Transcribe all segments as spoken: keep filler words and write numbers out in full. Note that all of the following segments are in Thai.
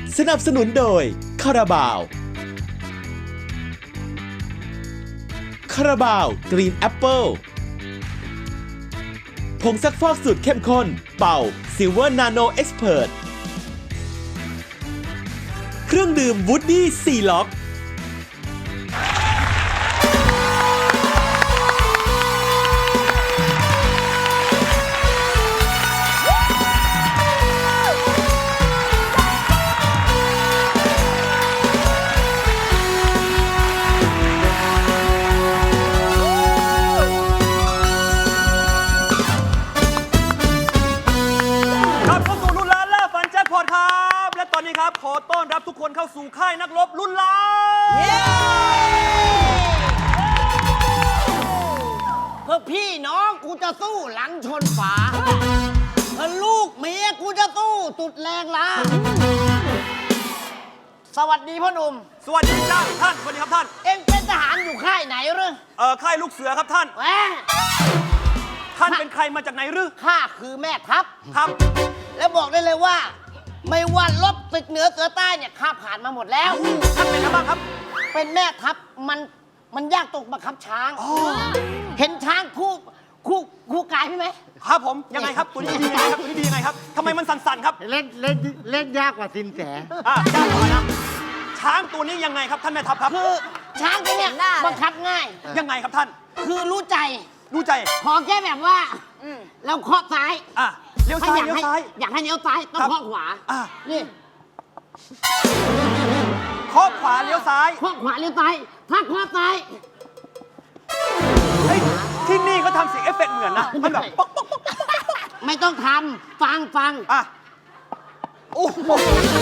สนับสนุนโดยคาราบาวคาราบาวกรีนแอปเปิลผงซักฟอกสูตรเข้มข้นเป่าซิลเวอร์นาโนเอ็กซ์เพรสเครื่องดื่มวูดดี้ซีล็อกครับขอต้อนรับทุกคนเข้าสู่ค่ายนักรบรุ่นล้านเพื่อพี่น้องกูจะสู้หลังชนฝาเพื่อลูกเมียกูจะสู้สุดแรงล้าสวัสดีพ่อหนุ่มสวัสดีจ้าท่านสวัสดีครับท่านเอ็งเป็นทหารอยู่ค่ายไหนหรือเออค่ายลูกเสือครับท่านแหมท่านเป็นใครมาจากไหนหรือข้าคือแม่ทัพครับแล้วบอกได้เลยว่าไม่ว่าลบศึกเหนือเสือใต้เนี่ยข้าผ่านมาหมดแล้วท่านเป็นอะไรบ้างครับเป็นแม่ทัพมันมันยากตกบังคับช้างเห็นช้างคู่คู่คู่กายพี่ไหมครับผมยังไงครับตัวนี้ดียังไงครับตัวนี้ดียังไงครับทำไมมันสั่นๆครับเล่นเล่นเล่นยากกว่าสินแสอ่ะยากกว่านะช้างตัวนี้ยังไงครับท่านแม่ทัพครับคือช้างตัวเนี้ยบังคับง่ายยังไงครับท่านคือรู้ใจรู้ใจขอแค่แบบว่าเราเคาะซ้ายอ่ะเลี้ยวซ้ายเลี้ยวซ้ายอยากให้เลี้ยวซ้ายต้องเคาะขวาอ่ะนี่เคาะขวาเลี้ยวซ้ายเคาะขวาเลี้ยวซ้ายถ้าเคาะซ้ายเฮ้ยที่นี่เขาทำเสียงเอฟเฟกต์เหมือนนะมันแบบป๊อกป๊อกป๊อกไม่ต้องทำฟังฟังอ่ะโอ้โห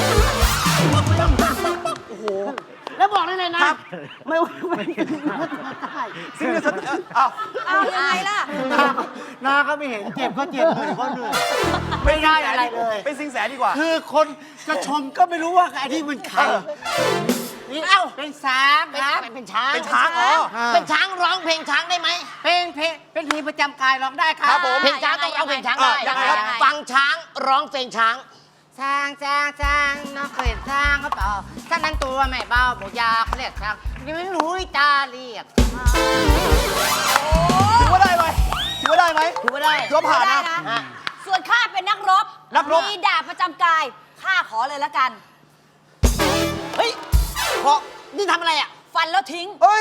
โอ้โหแล้วบอกได้เลยนะไม่ว่าไม่ได้สิ่งนี้สุดอ้าวอ้าวยังไงล่ะนาก็ไม่เห็นเจ็บก็เจ็บเหนื่อยก็เหนื่อยไม่ได้อะไรเลยเป็นสิงแสดีกว่าคือคนจะชมก็ไม่รู้ว่าไอ้ที่มันใครนี่เอ้าเป็นช้างครับเป็นช้างเป็นช้างอ๋อเป็นช้างร้องเพลงช้างได้ไหมเพลงเพลงเป็นเพลงประจำกายร้องได้ครับเพลงช้างต้องเอาเพลงช้างได้ฟังช้างร้องเพลงช้างช้างช้างช้างน้องเคยช้างก็เปล่าช้างนั้นตัวไม่เบาหมูยาเขาเรียกช้างนี่ไม่รู้ตาเรียกถือว่าได้ไหมถือว่าได้ไหมถือว่าได้ถือว่าผ่านนะส่วนข้าเป็นนักรบนักรบมีดาบประจำกายข้าขอเลยละกันเฮ้ยเพราะนี่ทำอะไรอ่ะฟันแล้วทิ้งเฮ้ย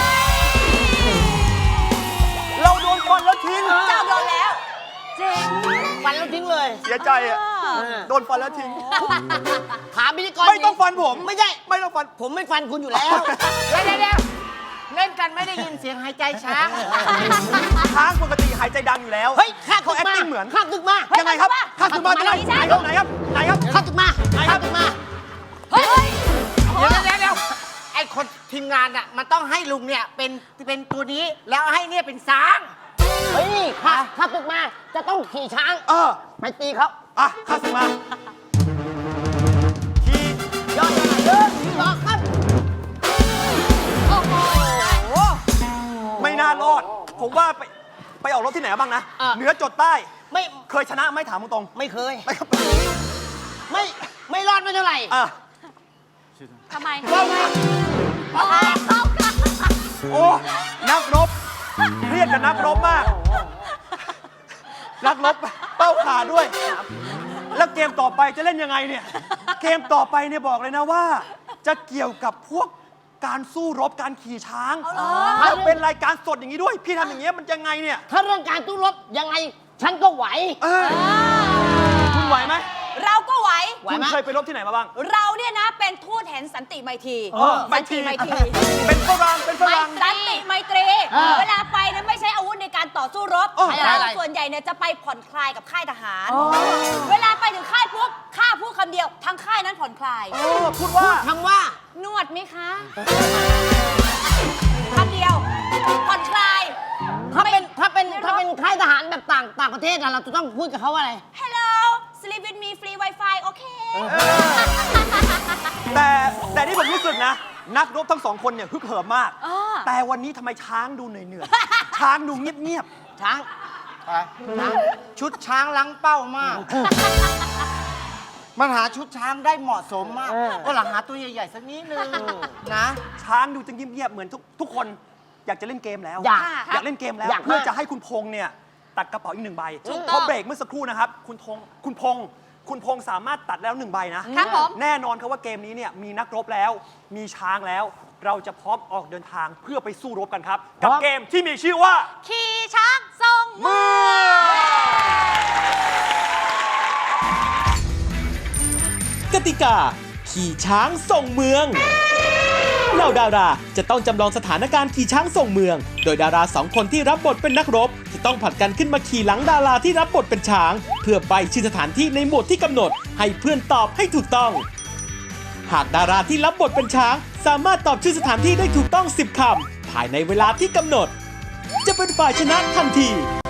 เราโดนฟันแล้วทิ้งเจ้าโดนแล้วจริงฟันแล้วทิ้งเลยเสียใจอ่ะโดนฟันแล้วทิ้งถามพิธีกรไม่ต้องฟันผมไม่ใช่ไม่ต้องฟันผมไม่ฟันคุณอยู่แล้วเดี๋ยวเดี๋ยวเล่นกันไม่ได้ยินเสียงหายใจช้างช้างปกติหายใจดังอยู่แล้วเฮ้ยข้าเขา acting เหมือนข้าตึกมายังไงครับข้าตึกมาไหนไหนครับไหนครับไหนครับข้าตึกมาไหนครับตึกมาเฮ้ยเดี๋ยวเดี๋ยวเดี๋ยวไอ้คนทีมงานอ่ะมันต้องให้ลุงเนี่ยเป็นเป็นตัวนี้แล้วให้เนี่ยเป็นช้างเฮ้ยข้าข้าตึกมาจะต้องขี่ช้างเออไปตีเขาอ่ะข้าตึกมาขี่ยอดเดินยอดครับโอ้โหไม่น่ารอดผมว่าไปไปออกรถที่ไหนบ้างนะเหนือจดใต้ไม่เคยชนะไม่ถามตรงไม่เคยไม่ครับไม่ไม่รอดไม่เท่าไหร่อ่ะทำไมว่าไงโอ้นักรบเครียดกับนักรบมากนักรบเป้าขาด้วยแล้วเกมต่อไปจะเล่นยังไงเนี่ยเกมต่อไปเนี่ยบอกเลยนะว่าจะเกี่ยวกับพวกการสู้รบการขี่ช้างแล้วเป็นรายการสดอย่างนี้ด้วยพี่ทำอย่างเงี้ยมันยังไงเนี่ยถ้าเรื่องการสู้รบยังไงฉันก็ไหวคุณไหวไหมเราก็ไหวคุณเคยไปรบที่ไหนมาบ้างเราเนี่ยนะเป็นทูตแห่งสันติไมตรีสันติไมตรีเป็นฝรั่งเป็นฝรั่งสันติไมตรีเวลาไปเนี่ยไม่ใช้อาวุธในการต่อสู้รบส่วนใหญ่เนี่ยจะไปผ่อนคลายกับค่ายทหารเวลาไปถึงค่ายปุ๊บข้าพูดคำเดียวทั้งค่ายนั้นผ่อนคลายพูดว่าคำว่านวดไหมคะคำเดียวผ่อนคลายถ้าเป็นถ้าเป็นถ้าเป็นค่ายทหารแบบต่างต่างประเทศเราจะต้องพูดกับเขาว่าอะไร Hello sleep with me free wifi โอเคแต่แต่ที่ผมรู้สึกนะนักรบทั้งสองคนเนี่ยฮึกเหิมมากแต่วันนี้ทำไมช้างดูเหนื่อยๆช้างดูเงียบๆช้างชุดช้างล้างเป้ามากมันหาชุดช้างได้เหมาะสมมากก็หลังหาตัวใหญ่ๆสักนิดนึงนะช้างดูจะเงียบๆเหมือนทุกทุกคนอยากจะเล่นเกมแล้วอยากอยากเล่นเกมแล้วอยากมากเพื่อจะให้คุณพงษ์เนี่ยตัดกระเป๋าอีกหนึ่งใบถูกต้องเพราะเบรกเมื่อสักครู่นะครับ คุณพงษ์คุณพงษ์คุณพงษ์สามารถตัดแล้วหนึ่งใบนะครับผมแน่นอนครับว่าเกมนี้เนี่ยมีนักรบแล้ว มีช้างแล้ว เราจะพร้อมออกเดินทางเพื่อไปสู้รบกันครับ กับเกมที่มีชื่อว่าขี่ช้างทรงเมืองกติกา ขี่ช้างส่งเมืองเหล่าดาราจะต้องจำลองสถานการณ์ขี่ช้างส่งเมือง โดยดาราสองคนที่รับบทเป็นนักรบจะต้องผลัดกันขึ้นมาขี่หลังดาราที่รับบทเป็นช้าง เพื่อใบชื่อสถานที่ในหมวดที่กำหนด ให้เพื่อนตอบให้ถูกต้อง หากดาราที่รับบทเป็นช้าง สามารถตอบชื่อสถานที่ได้ถูกต้องสิบคำภายในเวลาที่กำหนด จะเป็นฝ่ายชนะทันที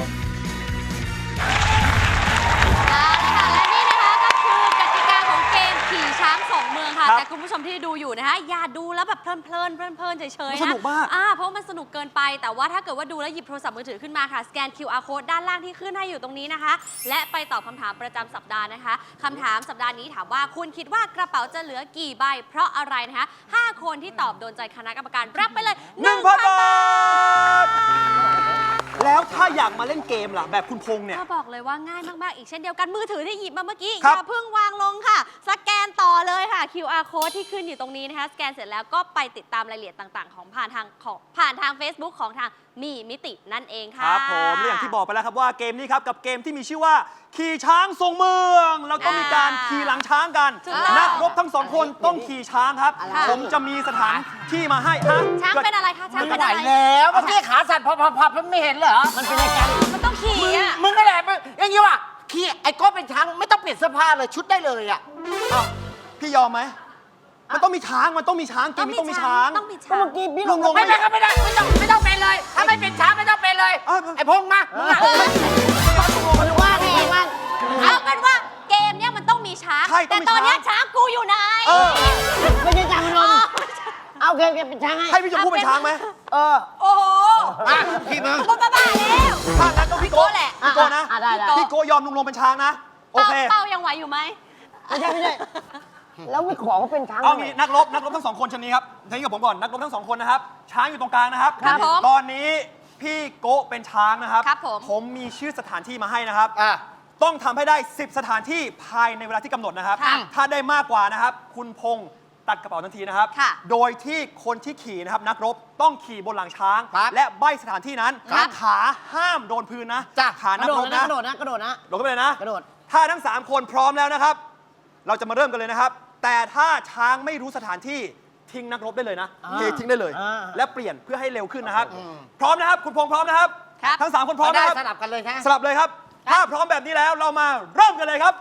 เอาละค่ะและนี่นะคะก็คือกติกาของเกมขี่ช้างส่งเมืองค่ะครับแต่คุณผู้ชมที่ดูอยู่นะคะอย่าดูแล้วแบบเพลินเพลินเพลินเพลินเฉยๆสนะนุกมากอ่าเพราะมันสนุกเกินไปแต่ว่าถ้าเกิดว่าดูแล้วหยิบโทรศัพท์มือถือขึ้นมาค่ะสแกน คิว อาร์ code ด้านล่างที่ขึ้นให้อยู่ตรงนี้นะคะ และไปตอบคำถามประจำสัปดาห์นะคะคำถามสัปดาห์นี้ถามว่าคุณคิดว่ากระเป๋าจะเหลือกี่ใบ เพราะอะไรนะคะห้าคนที่ตอบโดนใจคณะกรรมการรับไปเลยหนึ่งพันบาท แล้วถ้าอยากมาเล่นเกมล่ะแบบคุณพงษ์เนี่ยก็บอกเลยว่าง่ายมาก ๆ อีกเช่นเดียวกันมือถือที่หยิบมาเมื่อกี้ครัอบ ย่าเพิ่งวางลงค่ะ สแกนต่อเลยค่ะ คิว อาร์ code ที่ขึ้นอยู่ตรงนี้นะคะ สแกนเสร็จแล้วก็ไปติดตามรายละเอียดต่าง ๆ ของผ่านทางของผ่านทาง Facebook ของทางมีมิตินั่นเองคค่ะรับผมและอย่างที่บอกไปแล้วครับว่าเกมนี้ครับกับเกมที่มีชื่อว่า ขี่ช้างทรงเมืองแล้วก็มีการขี่หลังช้างกันถูกต้องนักรบทั้งสองคนต้องขี่ช้างครับค่ะผมจะมีสถานที่มาให้ฮะช้างเป็นอะไรคะช้างไม่เป็นไหวอะไรแล้วเมื่อกี้ขาสั่นพับๆๆไม่เห็นเหรอ มันเป็นรายการมันต้องขี่อ่ะมึงนั่นแหละมึงอย่างนี้ว่ะขี่ไอ้โก้เป็นช้างไม่ต้องเปลี่ยนเสื้อผ้าเลยชุดได้เลยอ่ะอ้าวพี่ยอมไหมมันต้องมีช้างมันต้องมีช้างเกมนี้ต้องมีช้างต้องมีช้างลุงลงไม่เป็นก็ไม่ได้ไม่ต้องไม่ต้องเป็นเลย ถ้าไม่เป็นช้างไม่ต้องเป็นเลยอ้าวไอ้พงษ์มามึงอะมันว่าไงว่าเอาเป็นว่าเกมเนี้ยมันต้องมีช้างใช่ต้แต่องมีตอนเนี้ยช้างช้างกูอยู่ไหนเออไม่ใช่ช้างพนมเอาเกมเกมเป็นช้างให้ให้พี่ชมพู่เป็นช้างไหมเออโอ้โหมาพี่มึงบ้าบ้าๆแล้วถ้างั้นต้องพี่โก้พี่โก้แหละพี่โก้นะอ่ะได้ได้พี่โก้ยอมลุงลงเป็นช้างนะโอเคเป้ายังไหวอยู่ไหมไม่ใช่ไม่ใช่แล้วไม่ขอเขาเป็นช้างเอางี้นักรบนักรบทั้งสองคนชนี้ครับทีนี้กับผมก่อนนักรบทั้งสองคนนะครับ ช้างอยู่ตรงกลางนะครับครับผมตอนนี้พี่โก้เป็นช้างนะครับครับผมผมมีชื่อสถานที่มาให้นะครับอ่ะต้องทำให้ได้ สิบ สถานที่ภายในเวลาที่กำหนดนะครับค่ะถ้าได้มากกว่านะครับ คุณพงษ์ตัดกระเป๋าทันทีนะครับค่ะโดยที่คนที่ขี่นะครับนักรบต้องขี่บนหลังช้างครับและใบสถานที่นั้นครับขาห้ามโดนพื้นนะจ้ะขานักรบนะกระโดดนะกระโดดนะโดดเข้าไปเลยนะกระโดดถ้าทั้งสามคนพร้อมแล้วนะครับ เราจะมาเริ่มกันเลยนะครับ แต่ถ้าช้างไม่รู้สถานที่ทิ้งนักรบได้เลยนะอ่าเททิ้งได้เลยอ่าและเปลี่ยนเพื่อให้เร็วขึ้นนะครับ พร้อมนะครับ คุณพงษ์พร้อมนะครับครับทั้งสามคนพร้อมได้นะครับสลับกันเลยนะสลับเลยครับ ถ้าพร้อมแบบนี้แล้วเรามาเริ่มกันเลยครับ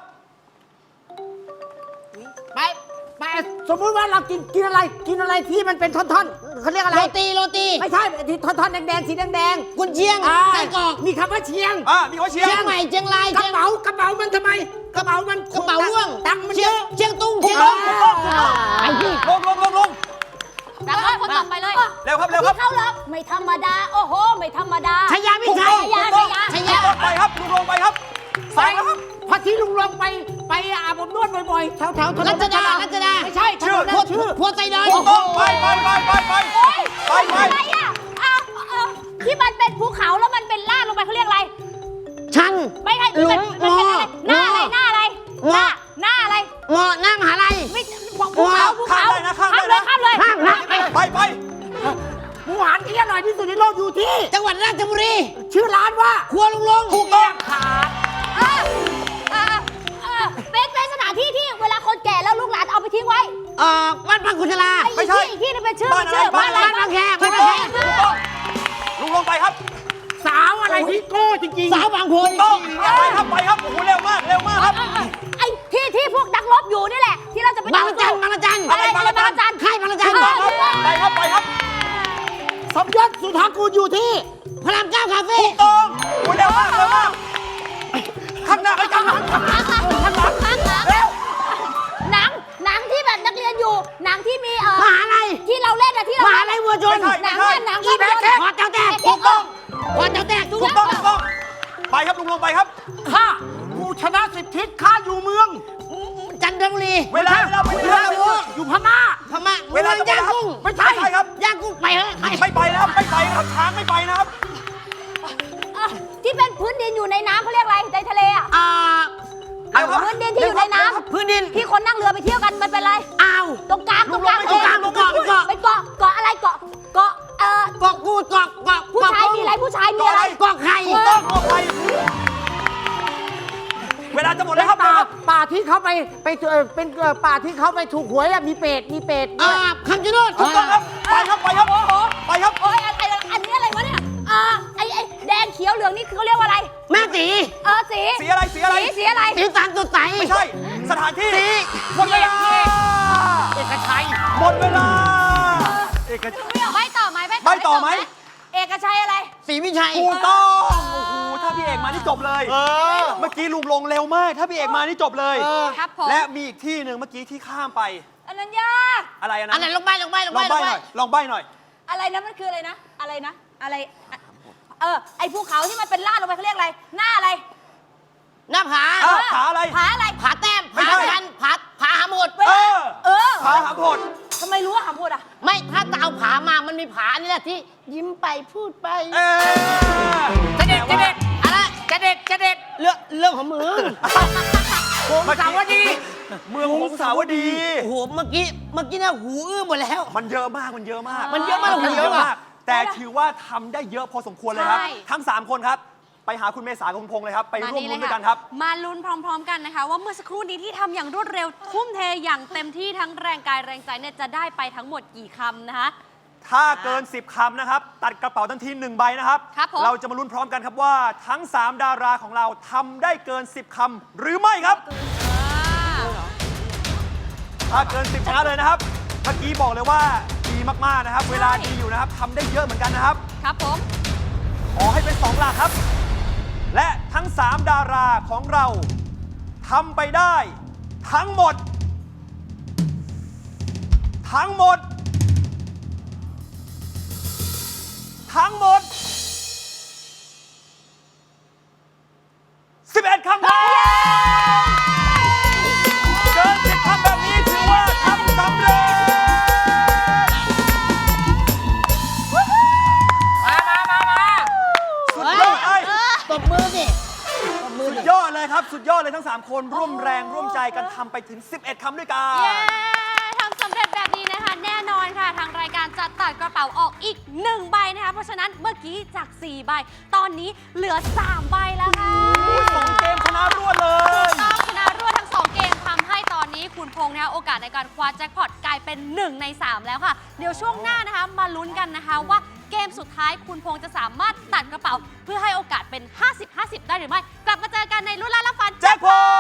ไปไปสมมุติว่าเรากินกินอะไรกินอะไรที่มันเป็นท่อนๆเขาเรียกอะไรโรตีโรตีไม่ใช่ที่ท่อนๆแดงๆสีแดงกุนเชียงๆอ่าไส้กรอกมีคำว่าเชียงอ่ามีเขาเชียร์เชียงใหม่เชียงรายกระเชียงเป๋ากระเป๋ามันทำไมกระเป๋ามันกระเป๋าร่วงตังค์มันเชีเยยงอะเชียงตุ้งถูเชีกยงต้อตุ้งงถูกต้องถูกต้องไอ้พี่ลงลงลงลงแล้วก็คนต่อไปเลยเร็วครับเร็วครับเข้ารับไม่ธรรมดา โอ้โห ไม่ธรรมดาชายาไม่ถูกใช่ต้องถูกต้องชยาลงไปครับลุงลงไปครับไปสายแล้วครับพอที่ลุงลงไปไปอาบอบนวดบ่อยๆแถวแถวๆถนนรัชดารัชดาไม่ใช่ถนนพวนั้นชื่อพวไซดอนถูกต้องไปไปไปไปไปไปไปไปอะไรอ่ะอ้าวเอ่อที่มันเป็นภูเขาแล้วมันเป็นลาดลงไปเขาเรียกอะไรชันไม่ใช่ที่มันหลุมันมเป็นอะไร หน้าอะไร หน้าอะไร หน้า หน้าอะไรเงาะหน้ามหาลัยไม่ภูเขาภูข้ามเขาได้นะข้ามข้าได้มเลยนะข้ามเลยข้ามข้ามไปไปหมูหันที่อร่อยที่สุดในโลกอยู่ที่จังหวัดราชบุรีชื่อร้านว่าครัวลุงลงถูกต้องขาดเออเออเออเป็นเป็นสถานที่ที่เวลาคนแก่แล้วลูกหลานเอาไปทิ้งไว้เอ่อบ้านพังคุณชลาไอ้ไม่ใช่ที่อีกที่นึงเป็นชื่อบ้านเป็นชื่ออะไรบ้านอะไรบ้านบางแคถูบ้านกบางต้องแคถูกต้องลุงลงไปครับสาวอะไรที่โก้จริงสาวบางโพถูกต้องไปครับไปครับโอ้โหเร็วมากเร็วมากครับเออเออไอ้ที่ที่พวกนักรบอยู่นี่แหละ ที่เราจะไปบางละจันบางละจันอะไรบางอะไรระจับาน งระจันค่ายบางละจันเออไปครับไปครับๆ สมยศสุธากูลอยู่ที่พระรามเก้าคาเฟ่ถูกต้องโอ้ยเร็วมากเร็วมากข้างหน้าไปข้างหลังเร็วหนังหนังที่แบบนักเรียนอยู่ หนังที่มีเออมหาลัยที่เราเล่นอะที่เรามหาลัยวัวชนไม่ใช่หนัไม่งใช่ว่าหนังอีแบว่ากแขกขอเจ้าแตกถูกต้องขอเจ้าแตกถูกต้องถูกต้องไปครับลุงลงไปครับข้ากูชนะสิบทิศข้าอยู่เมืองจันเดินบุรีเวลาเวลาไปเวเวลาลาอยู่อยู่พม่าพม่าเวลาจะหมดย่างแล้วครับกุ้งไม่ใช่ครับย่างกุ้งไปเถอะไปไม่ไปนะครับไม่ไปนะครับช้างไม่ไปนะครับอ่ะที่เป็นพื้นดินอยู่ในน้ำเขาเรียกอะไรในทะเลอ่ะอ่าเอาครับพื้นดินที่อยู่ในน้ำพื้นดินที่คนนั่งเรือไปเที่ยวกันมันเป็นอะไรอ่าวตรงกลางตรงกลางตรงกลางตรงกลางเกาะเป็นเกาะเกาะอะไรเกาะเกาะเอ่อเกาะกูดเกาะเกาะผู้ชายมีอะไรผู้ชายมีอะไรเกาะไข่ถูกต้องขอไปเวลาจะหมดแล้วครับป่าเร็วครับป่าที่เขาไปไปเอ่อเป็นเอ่อป่าที่เขาไปถูกหวยอะมีเป็ดมีเป็ดด้อ่าวยคำชะโนดถูกต้องครับไปครับไปครับไปครับโอ้ยไอ้ไอ้อันนี้อะไรวะเนี่ยอ่าไอ้ไอ้แดงเขียวเหลืองนี่คือเขาเรียกว่าอะไรแม่ตีเออสีสีอะไรสีอะไรสีสีอะไรสีสันสดใสไม่ใช่สถานที่สีหมดเวลาเอกชัยหมดเวลาเอกชัยใบต่อไหมใบ้ต่อไหมเอกชัยอะไรสีวิชัยถูกต้องโอ้โหถ้าพี่เอกมานี่จบเลยเมื่อกี้ลุงลงเร็วมาก ถ้าพี่เอกมานี่จบเลยครับผมและมีอีกที่หนึ่งเมื่อกี้ที่ข้ามไปอันนั้นยากอะไรอะนะอันไหนลงไปลงไปลงลไปองใบ้หน่อยลองใบ้หน่อยอะไรนะมันคืออะไรนะ อะไรนะ อะไรอ่ะเออไอ้ภูเขาที่มันเป็นลาดลงไปเขาเรียกอะไร หน้าอะไรหน้าผาอ้าวผาอะไรผาอะไรผาแต้มไม่ผาใช่ชันผาผาหาหมดเวเอลาอเออผาหาโพดทำไมรู้ว่าหาพูดอ่ะไม่ถ้าจะเอาผามามันมีผานี่แหละที่ยิ้มไปพูดไปเออจะเด็ดจะเด็ดอะไรจะเด็ดจะเด็ดเรื่องเรื่องของมึงโหงสาวดีเมืองหงสาวดีโอ้โหเมื่อกี้เมื่อกี้เนี่ยหูอื้อหมดแล้วมันเยอะมากมันเยอะมากมันเยอะมากมันหูเยเยอะอะมาก แต่ถือว่าทำได้เยอะพอสมควรเลยครับใช่ทั้งสามคนครับ ไปหาคุณเมษากับคุณพงษ์เลยครับ ไปร่วมลุ้นด้วยกันครับมาลุ้นพร้อม ๆ กันนะคะ ว่าเมื่อสักครู่นี้ที่ทำอย่างรวดเร็ว ทุ่มเทอย่างเต็มที่ทั้งแรงกายแรงใจเนี่ยจะได้ไปทั้งหมดกี่คำนะคะถ้าเกิน สิบ คำนะครับ ตัดกระเป๋าทันทีหนึ่งใบนะครับครับผมเราจะมาลุ้นพร้อมกันครับว่าทั้ง สาม ดาราของเราทำได้เกิน สิบ คำหรือไม่ครับ ถ้าเกิน สิบชนะเลยนะครับ เมื่อกี้บอกเลยว่าดีมากๆนะครับ เวลาดีอยู่นะครับทำได้เยอะเหมือนกันนะครับครับผมขอให้เป็นสองหลักครับ และทั้ง สาม ดาราของเราทำไปได้ทั้งหมด ทั้งหมด ทั้งหมด สิบเอ็ด คำครับเกิน สิบ คำแบบนี้ถือว่าทำสำเร็จมามามามาสุดยอดไอ้ตบมือสิตบมือสุสิดยอดเลยครับ สุดยอดเลยทั้ง สาม คนร่วมแรงร่วมใจกันทำไปถึง สิบเอ็ด คำด้วยกันเย้ทำสำเร็จแบบนี้นะคะ แน่นอนค่ะ ทางรายการจะตัดกระเป๋าออกอีกหนึ่งใบนะคะ เพราะฉะนั้นเมื่อกี้จากสี่ใบ ตอนนี้เหลือสามใบแล้วค่ะสองเกมชนะรวดเลยต้องชนะรวดทั้งสองเกมทำให้ตอนนี้คุณพงษ์นะคะโอกาสในการคว้าแจ็คพอตกลายเป็นหนึ่งในสามแล้วค่ะ เดี๋ยวช่วงหน้านะคะ มาลุ้นกันนะคะว่าเกมสุดท้ายคุณพงษ์จะสามารถตัดกระเป๋า เพื่อให้โอกาสเป็น ห้าสิบ ห้าสิบ ได้หรือไม่ กลับมาเจอกันในรุ่นล้านละฟันแจ็คพอต